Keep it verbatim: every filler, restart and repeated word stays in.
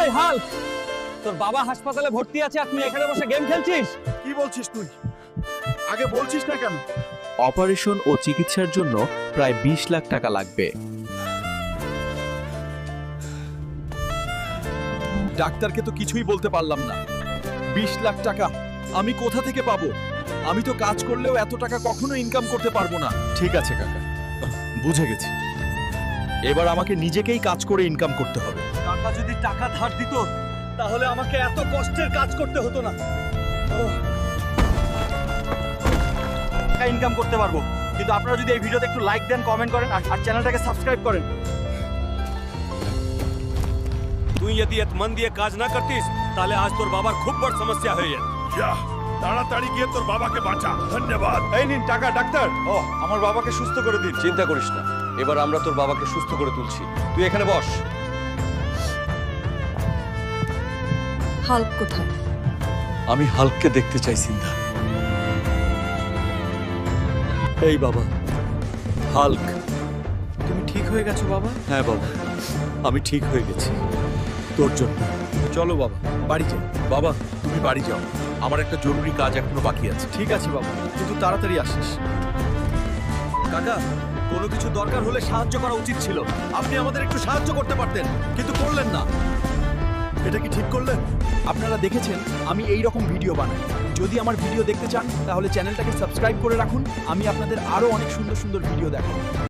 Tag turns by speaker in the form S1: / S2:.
S1: এই হাল্ক, তোর বাবা হাসপাতালে ভর্তি আছে আর তুই এখানে বসে গেম খেলছিস?
S2: কি বলছিস তুই? আগে বলছিস না কেন?
S3: অপারেশন ও চিকিৎসার জন্য প্রায় বিশ লাখ টাকা লাগবে।
S2: ডাক্তারকে তো কিছুই বলতে পারলাম না। বিশ লাখ টাকা আমি কোথা থেকে পাবো? আমি তো কাজ করলেও এত টাকা কখনো ইনকাম করতে পারবো না। ঠিক আছে কাকা, বুঝে গেছি। এবার আমাকে নিজেকেই কাজ করে ইনকাম করতে হবে।
S1: কাকা যদি টাকা ধার দিত তাহলে আমাকে এত কষ্টের কাজ করতে হতো না। ইনকাম করতে পারবো, কিন্তু আপনারা যদি এই ভিডিওতে একটু লাইক দেন, কমেন্ট করেন আর চ্যানেলটাকে সাবস্ক্রাইব করেন।
S4: তুই যদি এত মন দিয়ে কাজ না করতিস তাহলে আজ তোর বাবার খুব বড় সমস্যা হয়ে যেত।
S5: যা তাড়াতাড়ি গিয়ে তোর বাবাকে বাঁচা। ধন্যবাদ।
S2: এই নিন টাকা ডাক্তার। ও আমার বাবাকে সুস্থ করে দিন।
S6: চিন্তা করিস না, এবার আমরা তোর বাবাকে সুস্থ করে তুলছি। তুই এখানে বস।
S7: হাল্ক কোথায়?
S6: আমি হাল্ককে দেখতে চাই সিন্ধা।
S1: এই বাবা, হাল্ক।
S2: তুমি ঠিক হয়ে গেছো বাবা?
S1: হ্যাঁ বাবা, আমি ঠিক হয়ে গেছি তোর জন্য।
S2: চলো বাবা বাড়ি যাই।
S1: বাবা,
S2: তুমি বাড়ি যাও, আমার একটা জরুরি কাজ এখনো বাকি আছে। ঠিক আছে বাবা, কিন্তু তাড়াতাড়ি আসিস।
S1: কাকা, কোনো কিছু দরকার হলে সাহায্য করা উচিত ছিল।
S2: আপনি আমাদের একটু সাহায্য করতে পারতেন, কিন্তু করলেন না। এটা কি ঠিক করলেন? আপনারা দেখেছেন আমি এই রকম ভিডিও বানাই। যদি আমার ভিডিও দেখতে চান তাহলে চ্যানেলটাকে সাবস্ক্রাইব করে রাখুন। আমি আপনাদের আরো অনেক সুন্দর সুন্দর ভিডিও দেখাবো।